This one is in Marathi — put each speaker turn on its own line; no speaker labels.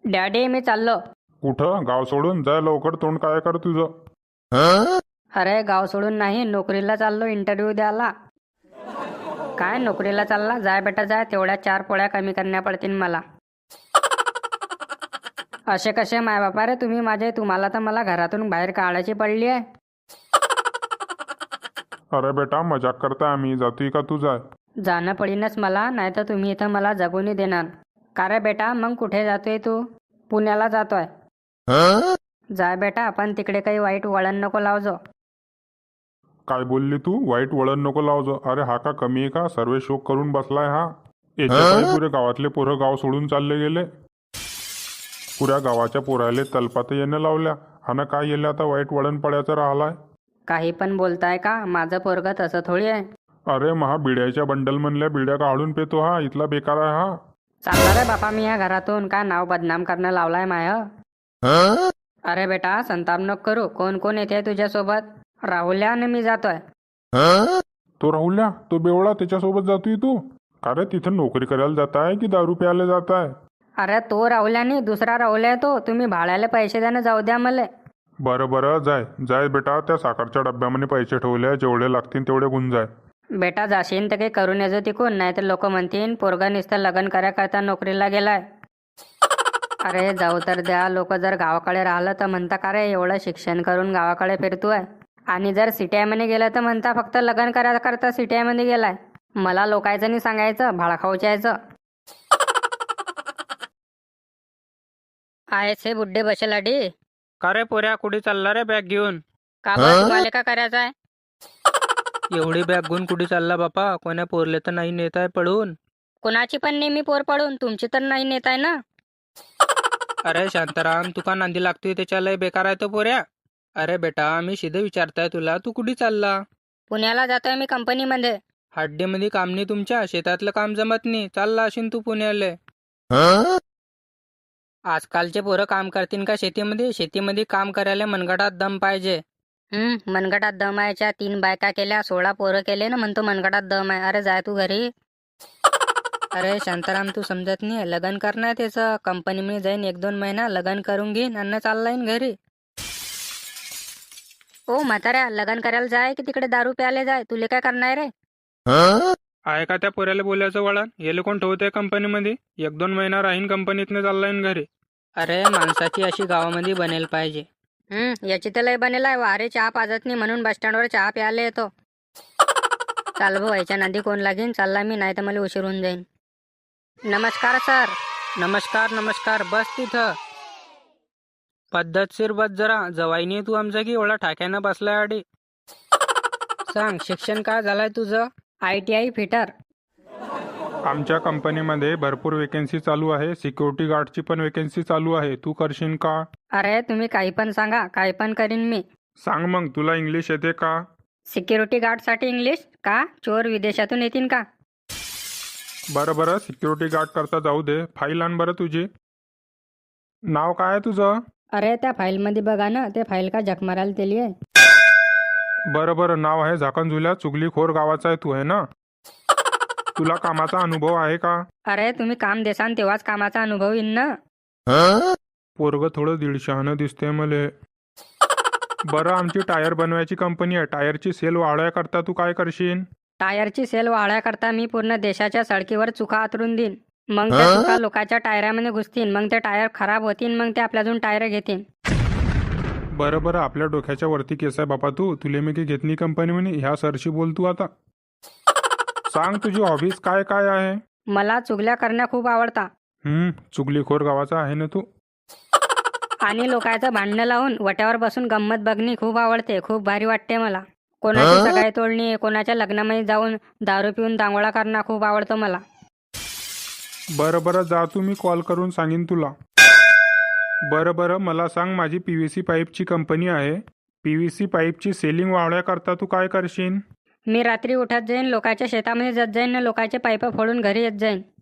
डॅडी मी चाललो.
कुठं? गाव सोडून जाय लवकर. तोंड काय कर तुझं?
अरे गाव सोडून नाही, नोकरीला चाललो इंटरव्ह्यू द्यायला. काय नोकरीला चालला? जाय बेटा जाय, तेवढ्या 4 पोळ्या कमी करण्या पडतील मला. असे कसे माय बापा रे तुम्ही माझे, तुम्हाला तर मला घरातून बाहेर काढायची पडली आहे.
अरे बेटा मजाक करताय आम्ही. जातोय का तू? जाय.
जाणं पडीनच मला, नाही तर तुम्ही इथं मला जगूनही देणार. का रे बेटा मग कुठे जातोय तू? पुण्याला जातोय. जाय बेटा, पण तिकडे काही वाईट वळण नको लावजो.
काय बोलली तू? वाईट वळण नको लावजो. अरे हा का कमी आहे का? सर्व शोक करून बसलाय हा. याच्या पुरे गावातले पोरं गाव सोडून चालले गेले. पुऱ्या गावाच्या पोराले तलपात येणं लावल्या. हा काय येले आता वाईट वळण पडायचं राहिलाय.
काही पण बोलताय का? माझं पोरग तसं थोडी आहे.
अरे महा बिड्याच्या बंडल म्हणल्या बिड्या काढून पेतो हा. इथला बेकार आहे हा.
चालला रे बापा मी या घरातून. काय नाव बदनाम करणं लावलाय माय. अरे बेटा संताप नको करू. कोण कोण येते तुझ्यासोबत? राहुल्या आणि मी जातोय.
तो राहुल्या, तो बेवळा, त्याच्यासोबत जातोय तू? का रे तिथं नोकरी करायला जाताय की दारू प्यायला जाताय?
अरे तो राहुल्यानी, दुसरा राहुल्या आहे तो. तुम्ही भाड्याला पैसे द्यानं जाऊ द्या मला.
बरं बरं जाय जाय बेटा. त्या साखरच्या डब्यामध्ये पैसे ठेवले, जेवढे लागतील तेवढे गुण जाय.
बेटा जाशील तर काही करून येजो तिकून, नाही तर लोक म्हणतील पोरगा नुसतं लग्न करता नोकरीला गेलाय. अरे जाऊ तर द्या. लोक जर गावाकडे राहिलं तर म्हणता का रे एवढं शिक्षण करून गावाकडे फिरतोय, आणि जर सिटीआयमध्ये गेलं तर म्हणता फक्त लग्न करता सिटीआयमध्ये गेलाय. मला लोकायचं नाही सांगायचं, भाडा खाऊच्यायचं. आहेस हे बुड्ढे बसेलाडी.
का रे पोऱ्या, कुठे चालला रे बॅग घेऊन?
का बरं तुम्हाला का करायचं आहे?
एवढी बॅग घेऊन कुठे चालला बापा? कोण्या पोरले तर नाही नेत आहे पडून?
कुणाची पण नेहमी पोर पडून, तुमची तर नाही नेत आहे ना.
अरे शांताराम, तू का नांदी लागतोय? त्याच्या लय बेकार आहे तो पोऱ्या. अरे बेटा मी सीधे विचारताय तुला, तू कुठे चालला?
पुण्याला जातोय मी कंपनीमध्ये.
हाड्डीमध्ये काम नाही तुमच्या? शेतातलं काम जमत नाही, चालला असेल तू पुण्याले. आजकालचे पोरं काम करतील का शेतीमध्ये? शेतीमध्ये काम करायला मनगटात दम पाहिजे.
मनगटात दम आहेच्या 3 बायका केल्या, 16 पोरं केले ना, म्हणतो मनगटात दम आहे. अरे जाय तू घरी.
अरे शांताराम तू समजत नाही, लग्न करणार त्याचं. कंपनीमध्ये जाईन 1-2 महिना लग्न करून घेईन आणि चालला येईन घरी.
ओ म्हाताऱ्या, लग्न करायला जाय की तिकडे दारू प्यायला जाय? तुले काय करणार रे?
आहे का त्या पोऱ्याला बोलायचं वळण? येले कोण ठेवतंय कंपनीमध्ये? 1-2 महिना राहीन कंपनीतनं, चालला येईन घरी. अरे माणसाची अशी गावामध्ये बनेल पाहिजे.
याची तर लय बनेल आहे. वारे चहा पाजत नाही म्हणून बस स्टँडवर चहा प्यायला येतो. चाल भाऊ, याच्या नादी कोण लागेन. चालला मी, नाही तर मला उशीर होऊन जाईन. नमस्कार सर.
नमस्कार नमस्कार, बस तिथं. पद्धतशीर बस जरा. जवाईनी तू आमचा की एवढा ठाक्यानं बसलाय आडी. सांग, शिक्षण काय झालंय तुझं?
ITI fitter.
आमच्या कंपनीमध्ये भरपूर वेकेन्सी चालू आहे. सिक्युरिटी गार्डची पण वेकेन्सी चालू आहे. तू करशील का?
अरे तुम्ही काही पण सांगा, काही पण करीन मी.
सांग मग, तुला इंग्लिश येते का?
सिक्युरिटी गार्डसाठी इंग्लिश का? चोर विदेशातून येतील का?
बरं बरं, सिक्युरिटी गार्ड करता जाऊ दे. फाईल आण बरं तुझी. नाव काय आहे तुझं?
अरे त्या फाईलमध्ये बघा ना, ते फाईल का झक मारायला दिली आहे.
बरं बरं, नाव आहे झाकण झुल्या. चुगलीखोर गावाचा आहे तू, आहे ना? तुला कामाचा अनुभव आहे का?
अरे तुम्ही काम देसान तेव्हाच कामाचा अनुभव येईन ना.
पोरग थोडं 150 दिसते मले. बरं, आमची टायर बनवायची कंपनी आहे. टायरची सेल वाढवायकरता तू काय करशील?
टायरची सेल वाढवायकरता मी पूर्ण देशाच्या सडकीवर चुका आतरून देईन. मग त्या चुका लोकांच्या टायरामध्ये घुसतील, मग ते टायर खराब होतील, मग ते आपल्याजून टायर घेतील.
बरं बरं, आपल्या डोक्याच्या वरती केस आहे बापा तू. तुले मी काही घेत नाही कंपनी म्हणे. ह्या सरशी बोल तू आता. सांग तुझी हॉबीज काय काय आहे?
मला चुगल्या करण्या खूप आवडता.
चुगलीखोर गावाचा आहे ना तू.
आणि लोकांचं भांडणं लावून वट्यावर बसून गंमत बघणी खूप आवडते. खूप भारी वाटते मला. कोणाची सगाई तोडणी, कोणाच्या लग्नामध्ये जाऊन दारू पिऊन दांगोळा करणं खूप आवडतं मला.
बरं बरं, जा तू, मी कॉल करून सांगीन तुला. बरं बरं, मला सांग, माझी PVC पाईपची कंपनी आहे. PVC पाईपची सेलिंग वाढवण्याकरता तू काय करशील?
मी रात्री उठत जाईन, लोकांच्या शेतामध्ये जात जाईन, लोकांचे पाईप फोडून घरी येत जाईन.